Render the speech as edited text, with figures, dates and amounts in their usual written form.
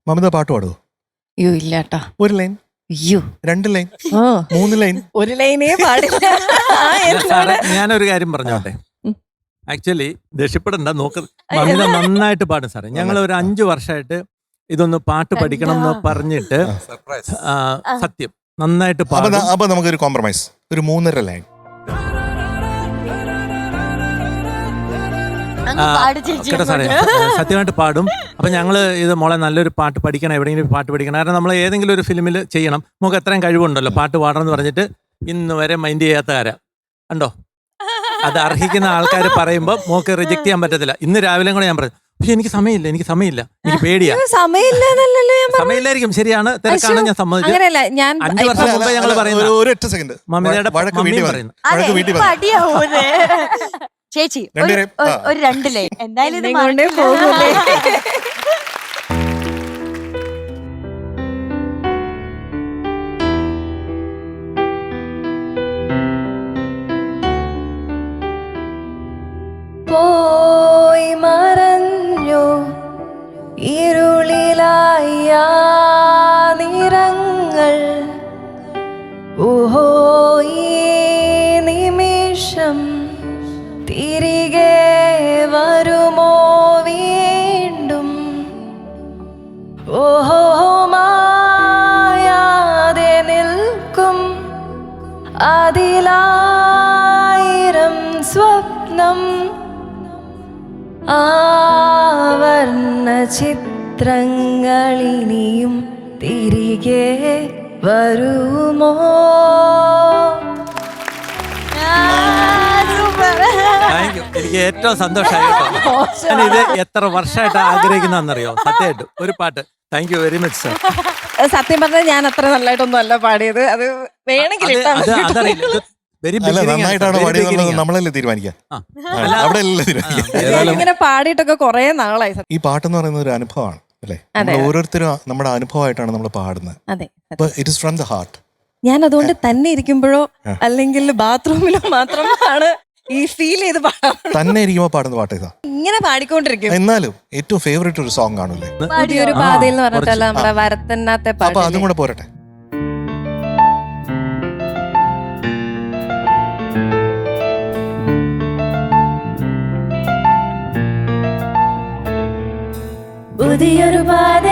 മമിത പാട്ട് പാടുവോ? അയ്യോ ഇല്ലാട്ടാ. ഒരു ലൈൻ, അയ്യോ 2 ലൈൻ, ഓ 3 ലൈൻ? ഒരു ലൈനേ പാടില്ല. സാറേ ഞാനൊരു കാര്യം പറഞ്ഞോട്ടെ. ആക്ച്വലി ദേഷ്യപ്പെടണ്ട, നോക്ക് മമിത നന്നായിട്ട് പാടും സാറേ. ഞങ്ങൾ ഒരു 5 വർഷമായിട്ട് ഇതൊന്ന് പാട്ട് പഠിക്കണം എന്ന് പറഞ്ഞിട്ട് സത്യം നന്നായിട്ട് പാടും. അപ്പൊ നമുക്കൊരു കോംപ്രമൈസ്, ഒരു 3.5 ലൈൻ. കേട്ടോ സാറേ, സത്യമായിട്ട് പാടും. അപ്പൊ ഞങ്ങള് ഇത് മോളെ നല്ലൊരു പാട്ട് പഠിക്കണം, എവിടെയെങ്കിലും പാട്ട് പഠിക്കണം. കാരണം നമ്മൾ ഏതെങ്കിലും ഒരു ഫിലിമിൽ ചെയ്യണം, നമുക്ക് എത്രയും കഴിവുണ്ടല്ലോ പാട്ട് പാടണം എന്ന് പറഞ്ഞിട്ട് ഇന്ന് വരെ മൈൻഡ് ചെയ്യാത്ത കാര്യം കണ്ടോ. അത് അർഹിക്കുന്ന ആൾക്കാർ പറയുമ്പോൾ മോക്ക് റിജക്ട് ചെയ്യാൻ പറ്റത്തില്ല. ഇന്ന് രാവിലെ കൂടെ ഞാൻ പറഞ്ഞു, പക്ഷെ എനിക്ക് സമയമില്ല, എനിക്ക് പേടിയാ. സമയമില്ലായിരിക്കും, ശരിയാണ്, തിരക്കാണ്, ഞാൻ സമ്മതിച്ചു. 5 വർഷം മുമ്പ് ഞങ്ങൾ പറയുന്നത് ഒരൊറ്റ സെക്കൻഡ് മമ്മിയുടെ മമ്മിയും പറയുന്നു. ചേച്ചി ഒരു 2 ലൈൻ എന്തായാലും പോയി മറഞ്ഞു ഇരുളിലായ നിറങ്ങൾ, ഓഹോ ഈ നിമിഷം തിരികെ വരുമോ വീണ്ടും, ഓഹോ മായാതെ നിൽക്കും അതിലായിരം സ്വപ്നം, ആവർണ്ണ ചിത്രങ്ങളിനിയും തിരികെ വരുമോ? എനിക്ക് ഏറ്റവും സന്തോഷമായി കേട്ടോ. ഇത് എത്ര വർഷമായിട്ട് ആഗ്രഹിക്കുന്നറിയോ സത്യമായിട്ട് ഒരു പാട്ട്. Thank you very much sir. സത്യം പറഞ്ഞാൽ ഞാൻ അത്ര നല്ലതായിട്ടൊന്നും അല്ല പാടിയത്. അത് വേണമെങ്കിൽ നമ്മളല്ലേ തീരുമാനിക്കാം, ഇങ്ങനെ പാടിയിട്ടൊക്കെ കൊറേ നാളായി. ഈ പാട്ടെന്ന് പറയുന്നത് ഒരു അനുഭവമാണ് അല്ലേ? ഓരോരുത്തരും നമ്മുടെ അനുഭവമായിട്ടാണ് നമ്മൾ പാടുന്നത്. അതെ, it is from the heart. ഞാൻ അതുകൊണ്ട് തന്നെ ഇരിക്കുമ്പോഴോ അല്ലെങ്കിൽ ബാത്റൂമിലോ മാത്രമാണ് ഈ ഫീൽ ചെയ്ത് പാടാൻ. തന്നെ ഇരിക്കുമ്പോ പാടുന്ന പാട്ട് ഇതാ, ഇങ്ങനെ പാടിക്കൊണ്ടിരിക്കും. എന്നാലും ഏറ്റവും ഫേവറേറ്റ് ഒരു സോങ് കാണൂലേ? പുതിയൊരു പാതയിൽ എന്ന് പറഞ്ഞിട്ടല്ല നമ്മുടെ വരത്തന്നാത്തെ അപ്പൊ അതും കൂടെ പോരട്ടെ. പുതിയൊരു പാത